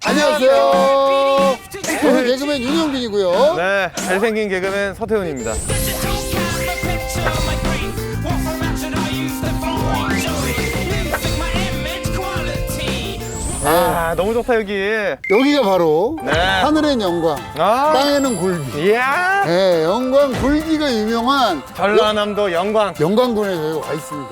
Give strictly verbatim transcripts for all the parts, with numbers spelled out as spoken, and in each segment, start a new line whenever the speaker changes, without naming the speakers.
안녕하세요. 저는 개그맨 윤영빈이고요.
네, 잘생긴 개그맨 서태훈입니다. 아, 너무 좋다 여기.
여기가 바로
네.
하늘엔 영광,
아,
땅에는 굴비.
이야.
네, 영광 굴비가 유명한
전라남도 영광.
영광군에 저희가 와 있습니다.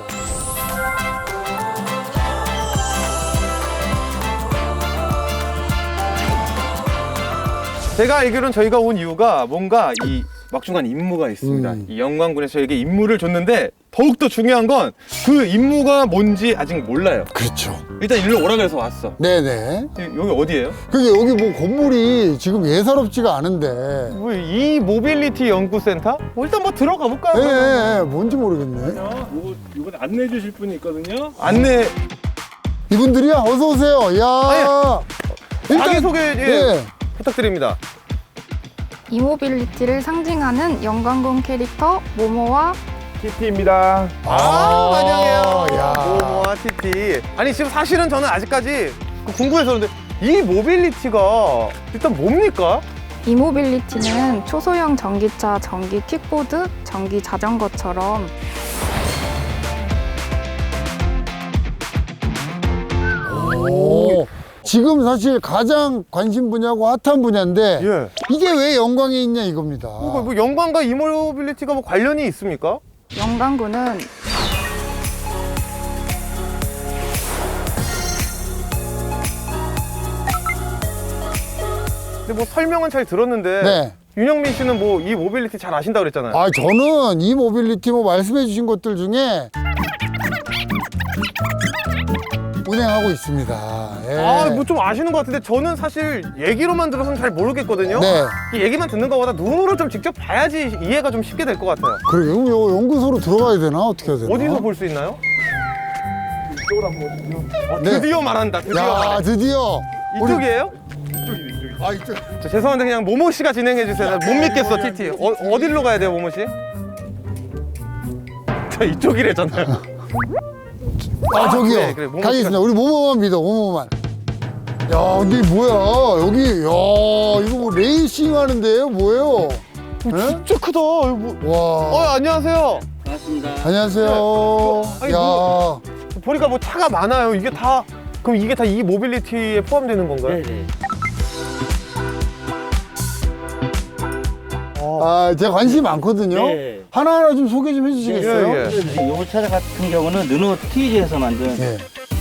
제가 알기로는 저희가 온 이유가 뭔가 이 막중한 임무가 있습니다.
음.
이 영광군에서 저에게 임무를 줬는데 더욱더 중요한 건 그 임무가 뭔지 아직 몰라요.
그렇죠.
일단 일로 오라 그래서 왔어.
네네.
여기 어디예요?
그게 여기 뭐 건물이 지금 예사롭지가 않은데.
뭐 이 모빌리티 연구센터? 뭐 일단 뭐 들어가 볼까요?
예, 예, 예, 뭔지 모르겠네.
이거 이번 안내해 주실 분이 있거든요.
안내.
이분들이야? 어서 오세요. 야.
자기 소개 예,
예.
부탁드립니다.
이모빌리티를 상징하는 영광군 캐릭터 모모와
티티입니다.
아, 환영해요.
야.
모모와 티티. 아니 지금 사실은 저는 아직까지 그 궁금해서 그런데 이 모빌리티가 일단 뭡니까?
이모빌리티는 초소형 전기차, 전기 킥보드, 전기 자전거처럼
오. 지금 사실 가장 관심 분야고 핫한 분야인데
예.
이게 왜 영광에 있냐 이겁니다.
뭐, 뭐 영광과 이모빌리티가 뭐 관련이 있습니까?
영광군은
근데 뭐 설명은 잘 들었는데
네.
윤영민 씨는 뭐 이 모빌리티 잘 아신다고 그랬잖아요.
아, 저는 이 모빌리티 뭐 말씀해 주신 것들 중에 운행하고 있습니다. 예.
아, 뭐 좀 아시는 것 같은데 저는 사실 얘기로만 들어서는 잘 모르겠거든요.
네.
이 얘기만 듣는 것보다 눈으로 좀 직접 봐야지 이해가 좀 쉽게 될 것 같아요.
그래, 그럼 요 연구소로 들어가야 되나? 어떻게 해야 되나?
어디서 볼 수 있나요?
이쪽으로 한번 보시죠.
어,
네.
드디어 말한다. 드디어
야,
말해.
드디어. 우리-
이쪽이에요?
아, 이쪽.
저 죄송한데 그냥 모모 씨가 진행해 주세요. 나 못 믿겠어, 티티. 어, 어디로 가야 돼요, 모모 씨? 저 이쪽이래잖아요.
아, 저기요.
그래, 그래, 모모
가겠습니다. 우리 모모만 믿어, 모모만. 야, 근데 이게 뭐야? 여기, 야, 이거 뭐 레이싱 하는데요? 뭐예요? 예?
진짜 크다. 이거 뭐... 어,
와.
안녕하세요.
안녕하세요.
네. 아니,
야.
뭐- 보니까 뭐 차가 많아요. 이게 다 그럼 이게 다 이 모빌리티에 포함되는 건가요?
네네.
아, 제가 관심이 많거든요.
네.
하나하나 좀 소개 좀 해주시겠어요?
예, 예.
이 차 같은 경우는 르노 티지에서 만든
예.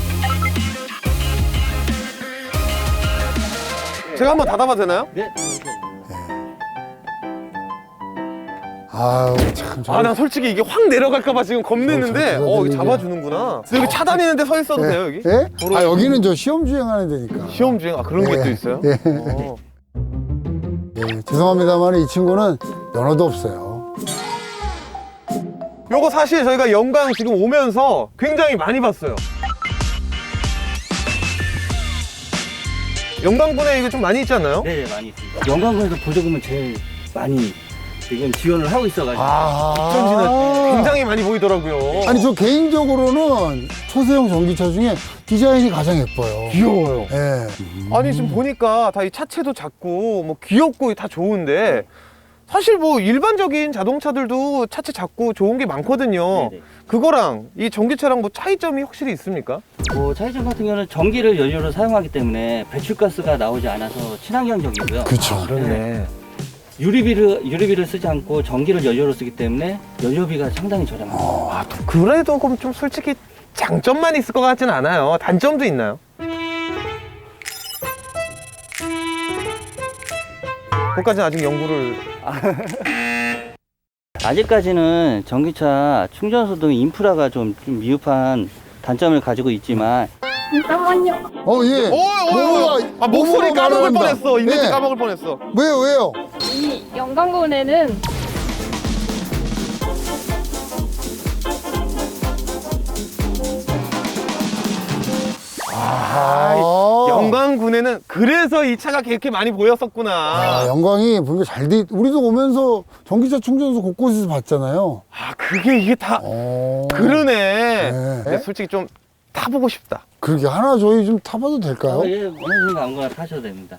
제가 한번 닫아봐도 되나요?
네.
아유, 참. 저-
아, 나 솔직히 이게 확 내려갈까봐 지금 겁내는데,
저- 저- 저-
어, 이거
저-
잡아주는구나. 여기 차 다니는데 서 있어도 돼요, 여기?
예?
도로-
아, 여기는 저 시험 주행하는 데니까.
시험 주행, 아, 그런 게
예.
또 있어요?
예.
어.
예, 죄송합니다만 이 친구는 면허도 없어요.
요거 사실 저희가 영광 지금 오면서 굉장히 많이 봤어요. 영광군에 이게 좀 많이 있지 않나요?
네, 많이 있습니다. 영광군에서 보조금은 제일 많이 지금 지원을 하고 있어가지고
전지는
아.
굉장히 많이 보이더라고요.
아니, 저 개인적으로는 초소형 전기차 중에 디자인이 가장 예뻐요.
귀여워요.
예.
아니 지금 보니까 다 이 차체도 작고 뭐 귀엽고 다 좋은데 사실 뭐 일반적인 자동차들도 차체 작고 좋은 게 많거든요.
네네.
그거랑 이 전기차랑 뭐 차이점이 확실히 있습니까?
뭐 차이점 같은 경우는 전기를 연료로 사용하기 때문에 배출가스가 나오지 않아서 친환경적이고요.
그렇죠.
그렇네.
유리비를 유리비를 쓰지 않고 전기를 연료로 쓰기 때문에 연료비가 상당히 저렴합니다.
아, 또 그래도 그럼 좀 솔직히 장점만 있을 것 같진 않아요. 단점도 있나요? 그것까지는 아직 연구를
아직까지는 전기차 충전소 등 인프라가 좀, 좀 미흡한 단점을 가지고 있지만
어, 예.
오, 오, 오.
모모가-
아, 목소리
모모가
까먹을
말한다.
뻔했어. 이벤트
네.
까먹을 뻔했어.
왜요, 왜요?
이 영광군에는
아,
영광군에는 그래서 이 차가 그렇게 많이 보였었구나.
아, 영광이 보니까 잘 돼. 우리도 오면서 전기차 충전소 곳곳에서 봤잖아요.
아, 그게 이게 다
어.
그러네.
네.
근데 솔직히 좀 타보고 싶다.
그러게 하나 저희 좀 타봐도 될까요?
어, 예, 원하시는 아무거나 타셔도 됩니다.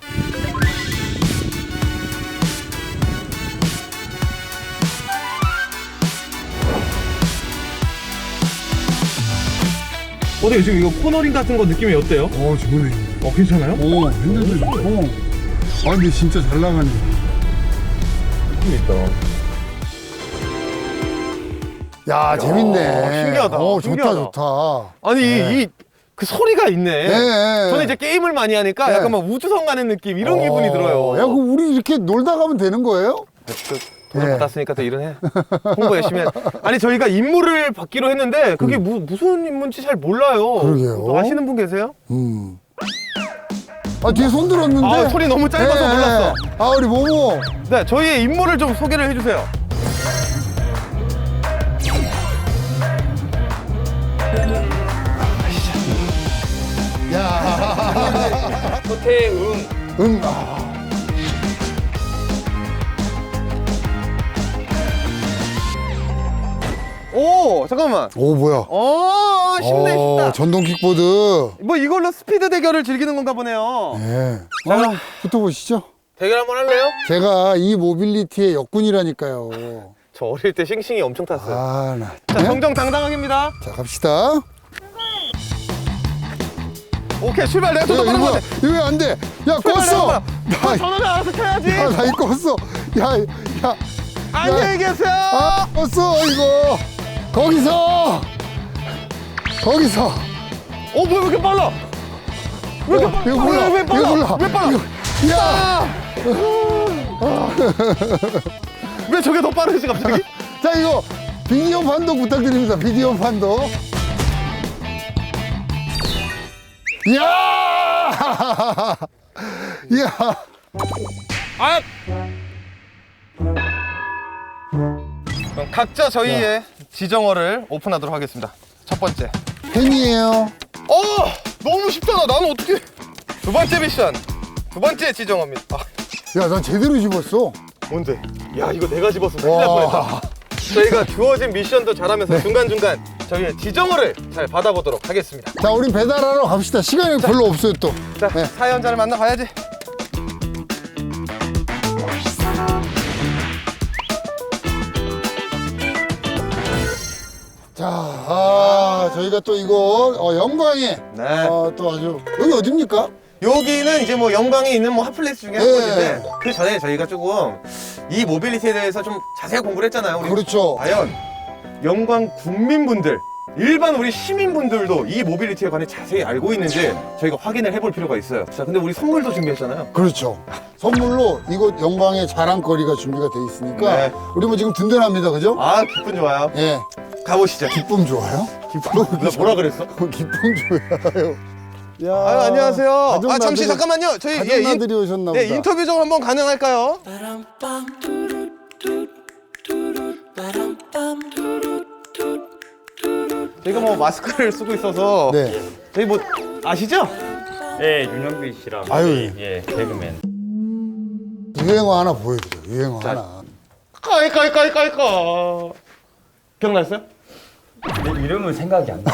어때요? 지금 이거 코너링 같은 거 느낌이 어때요?
어, 좋네.
어, 괜찮아요?
오, 핸들도 좋고. 아, 근데 진짜 잘 나가네.
느낌 있다.
야, 재밌네.
신기하다,
어, 좋다,
신기하다.
좋다.
아니,
네.
이 그 소리가 있네.
네.
저는 이제 게임을 많이 하니까
네.
약간 막 우주선 가는 느낌 이런 기분이 들어요.
야, 그럼 우리 이렇게 놀다 가면 되는 거예요?
돈을
네.
받았으니까 또 일은 해. 홍보 열심히 해. 아니 저희가 임무를 받기로 했는데 그게 무, 무슨 임무인지 잘 몰라요.
그러게요.
또 아시는 분 계세요?
음. 아, 뒤에 손 들었는데?
아, 소리 너무 짧아서 몰랐어.
아, 우리 모모.
네, 저희의 임무를 좀 소개를 해주세요.
야.
호태응.
응. 아.
오, 잠깐만.
오, 뭐야.
어, 쉽네,
어,
쉽다.
전동 킥보드.
뭐 이걸로 스피드 대결을 즐기는 건가 보네요.
네.
자,
어,
그럼
붙어보시죠.
대결 한번 할래요?
제가 이 모빌리티의 역군이라니까요.
저 어릴 때 싱싱이 엄청 탔어요.
아, 나.
자, 정정당당하게입니다.
자, 갑시다.
오케이, 출발. 내가
야,
더
이거
빠른 거
뭐야?
같아.
이거 왜 안 돼? 야,
출발,
껐어!
내가
나,
전원을 알아서 켜야지.
야, 나 이거 껐어. 야, 야.
안녕히 계세요.
아, 껐어, 이거. 거기서! 거기서!
어, 뭐야, 왜 이렇게 빨라? 왜 이렇게 빨라?
이거 몰라.
왜, 왜
이거
빨라?
몰라.
왜 빨라?
이거- 야!
왜 저게 더 빠르지, 갑자기?
자, 이거 비디오 판독 부탁드립니다. 비디오 판독. 이야! 이야!
아! 그럼 각자 저희의 지정어를 오픈하도록 하겠습니다. 첫 번째.
팬이에요.
어! 너무 쉽잖아. 나는 어떻게. 두 번째 미션. 두 번째 지정어입니다. 아,
야, 난 제대로 집었어.
뭔데? 야, 이거 내가 집었으면 큰일 날 뻔했다.
와.
저희가 주어진 미션도 잘하면서 중간중간 저희의 지정어를 잘 받아보도록 하겠습니다.
자, 우린 배달하러 갑시다. 시간이 별로 없어요, 또.
자,
네.
사연자를 만나봐야지.
자, 아, 저희가 또 이거, 어, 영광에,
네.
어, 또 아주, 여기 어딥니까?
여기는 이제 뭐 영광에 있는 뭐 핫플레이스 중에 한
네.
곳인데 그 전에 저희가 조금 이 모빌리티에 대해서 좀 자세히 공부를 했잖아요. 우리
그렇죠.
과연 영광 국민분들, 일반 우리 시민분들도 이 모빌리티에 관해 자세히 알고 있는지 저희가 확인을 해볼 필요가 있어요. 자, 근데 우리 선물도 준비했잖아요.
그렇죠. 선물로 이곳 영광의 자랑거리가 준비가 돼 있으니까,
네.
우리 뭐 지금 든든합니다, 그죠?
아, 기분 좋아요.
예.
가보시죠.
기쁨 좋아요?
기분. 나 뭐라 그랬어?
기쁨 좋아요. 야,
아유, 안녕하세요.
가족
아, 잠시
나들이-
잠깐만요. 저희
가족
예, 인-
나들이 오셨나 보다.
네, 인터뷰 좀 한번 가능할까요? 저희가 뭐 마스크를 쓰고 있어서
네.
저희 뭐 아시죠?
네, 윤영빈 씨랑
아유.
저희, 예, 개그맨.
유행어 하나 보여드려. 유행어
자.
하나.
까이까이까이까이까 기억났어요?
내 이름은 생각이 안 나.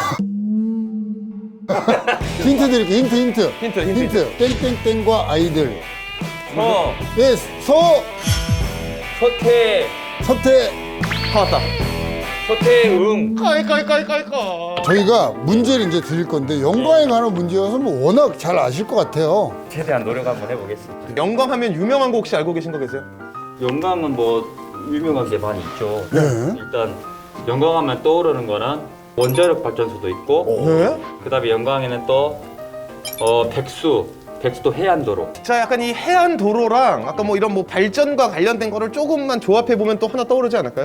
힌트 드릴게요. 힌트, 힌트.
힌트, 힌트.
땡땡땡과 아이들.
서,
예, 서,
서태,
서태.
다 왔다.
서태응.
까이까이까이까이까
저희가 문제를 이제 드릴 건데, 영광에 관한 문제여서 뭐 워낙 잘 아실 것 같아요.
최대한 노력 한번 해보겠습니다.
영광하면 유명한 거 혹시 알고 계신 거 계세요?
영광은 뭐 유명한 게 많이 있죠.
네.
일단 영광하면 떠오르는 거는 원자력 발전소도 있고,
네?
그다음에 영광에는 또 어, 백수, 백수도 해안도로.
자, 약간 이 해안 도로랑 아까 뭐 이런 뭐 발전과 관련된 거를 조금만 조합해 보면 또 하나 떠오르지 않을까요?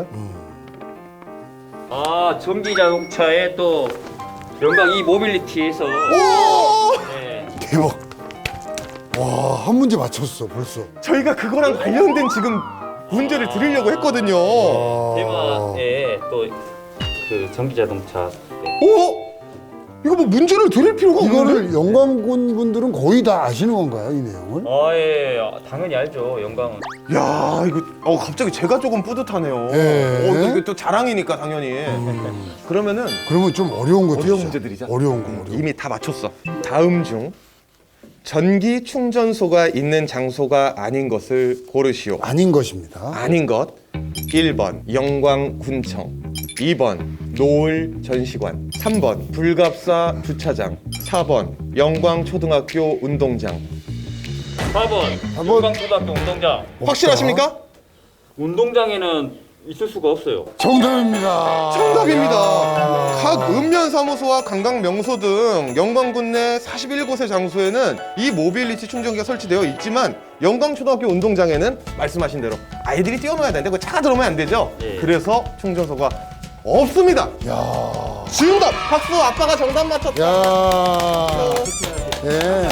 아, 전기 자동차에 또 영광 이 모빌리티에서
오!
네,
대박. 와, 한 문제 맞췄어, 벌써.
저희가 그거랑 관련된 지금 문제를 드리려고 했거든요.
아.
대만에 또 그 전기 자동차 네.
오! 이거 뭐 문제를 드릴 필요가 없는데?
이거를 영광군 분들은 거의 다 아시는 건가요, 이 내용을?
아, 예, 당연히 알죠. 영광은.
야, 이거 어 갑자기 제가 조금 뿌듯하네요.
예.
어, 이게 또 자랑이니까 당연히. 그러면은
그러면 좀 어려운 것도
어려운
있죠.
문제들이죠.
어려운 거, 어려운
이미 다 맞췄어. 다음 중 전기 충전소가 있는 장소가 아닌 것을 고르시오.
거. 아닌 것입니다.
아닌 것. 일 번 영광군청, 이 번 노을 전시관, 삼 번 불갑사 주차장, 사 번 영광초등학교 운동장.
사 번
사 번.
영광초등학교 운동장.
확실하십니까?
운동장에는 있을 수가 없어요.
정답입니다.
정답입니다.
야.
각 읍면사무소와 관광명소 등 영광군 내 사십일 곳의 장소에는 이 모빌리티 충전기가 설치되어 있지만 영광초등학교 운동장에는 말씀하신 대로 아이들이 뛰어놀아야 되는데 그 차가 들어오면 안 되죠.
예.
그래서 충전소가 없습니다.
야.
정답! 박수! 아빠가 정답 맞췄다.
야. 예.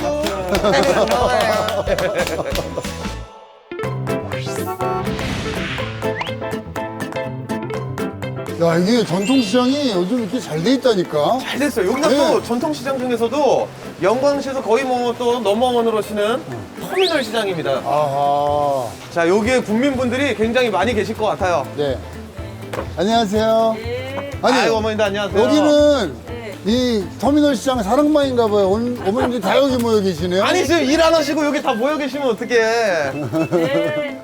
야, 이게 전통시장이 요즘 이렇게 잘 돼 있다니까.
잘 됐어요. 여기가
네.
또 전통시장 중에서도 영광시에서 거의 뭐 또 넘버원으로 치는 터미널 시장입니다.
아하.
자, 여기에 국민분들이 굉장히 많이 계실 것 같아요.
네. 안녕하세요. 아니,
아이고, 어머님도 안녕하세요.
여기는 이 터미널 시장 사랑방인가 봐요. 오늘 어머님들 다 여기 모여 계시네요.
아니 지금 일 안 하시고 여기 다 모여 계시면 어떡해.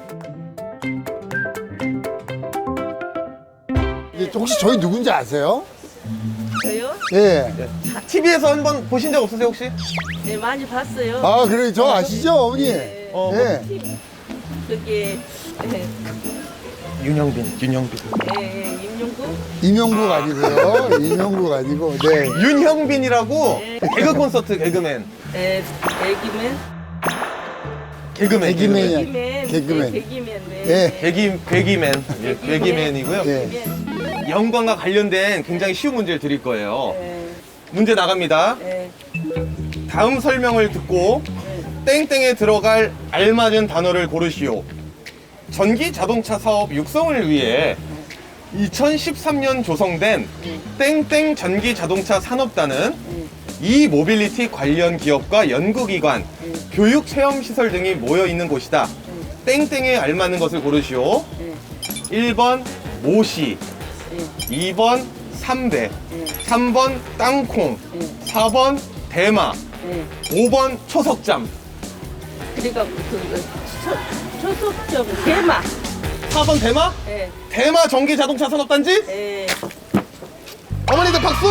이게 혹시 저희 누군지 아세요?
저요?
예.
티비에서 한번 보신 적 없으세요 혹시?
네, 많이 봤어요.
아, 그래. 저 아시죠, 어머니?
어,
예.
그게 예,
윤영빈, 윤영빈.
예, 임용구?
임영국 아니고요. 임영국 아니고. 네.
윤형빈이라고 개그 콘서트 개그맨.
예, 애기맨?
개그맨.
개그맨이야.
개기맨.
개그맨.
네, 개기맨. 네.
예.
개기, 개기맨. 예, 개기맨이고요.
예.
개기맨.
영광과 관련된 굉장히 쉬운 문제를 드릴 거예요.
예,
문제 나갑니다.
예,
다음 설명을 듣고 땡땡에 들어갈 알맞은 단어를 고르시오. 전기 자동차 사업 육성을 위해 이천십삼 년 조성된 땡땡 전기 자동차 산업단은 이 모빌리티 관련 기업과 연구기관, 교육 체험 시설 등이 모여 있는 곳이다. 땡땡에 알맞는 것을 고르시오. 일 번 모시, 이 번 삼대, 삼 번 땅콩, 사 번 대마,
예.
오 번 초석잠.
그러니까 그 초속적 대마.
사 번 대마?
예,
대마 전기 자동차 산업단지?
예.
어머니들 박수!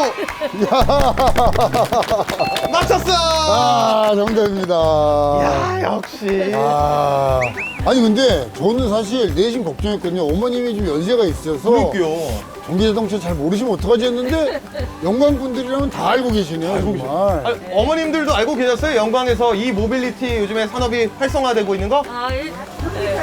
맞췄어!
아, 정답입니다.
야, 역시.
아. 아니, 근데 저는 사실 내심 걱정했거든요. 어머님이 좀 연세가 있어서
그러니까요.
전기자동차 잘 모르시면 어떡하지 했는데 영광분들이라면 다 알고 계시네요, 정말.
아, 어머님들도 알고 계셨어요? 영광에서 이 모빌리티 요즘에 산업이 활성화되고 있는 거?
아, 예. 예.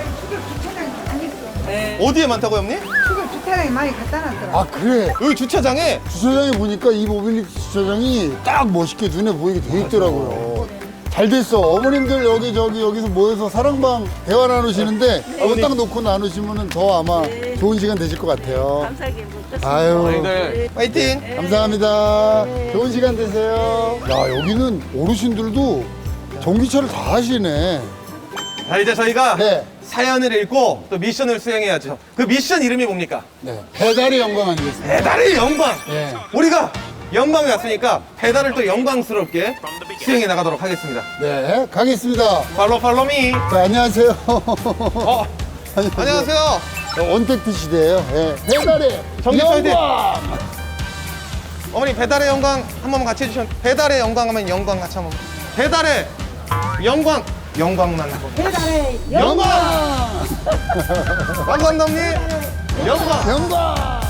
예.
어디에 많다고요, 어머니?
주차장에 많이 갖다 놨더라.
아, 그래.
여기 주차장에
주차장에 보니까 이 모빌리티 주차장이 딱 멋있게 눈에 보이게 돼 있더라고요. 잘 됐어. 어머님들 여기 저기 여기서 모여서 사랑방 대화 나누시는데 이거 딱 놓고 나누시면 더 아마 좋은 시간 되실 것 같아요.
감사하게 먹겠습니다.
아유,
어머니들 파이팅!
감사합니다. 좋은 시간 되세요. 야, 여기는 어르신들도 전기차를 다 하시네.
자, 이제 저희가
네.
사연을 읽고 또 미션을 수행해야죠. 그 미션 이름이 뭡니까?
네. 배달의 영광 아니겠습니까?
배달의 영광!
네.
우리가 영광에 왔으니까 배달을 또 영광스럽게 수행해 나가도록 하겠습니다.
네, 가겠습니다.
팔로 팔로미.
자, 안녕하세요.
어, 안녕하세요.
언택트 시대예요. 네. 배달의
전기차 화이팅!
영광.
어머니 배달의 영광 한 번만 같이 해주시면 배달의 영광 하면 영광 같이 한번. 배달의 영광 영광만 하고.
배달의
영광. 감사합니다 어머니. 영광.
영광.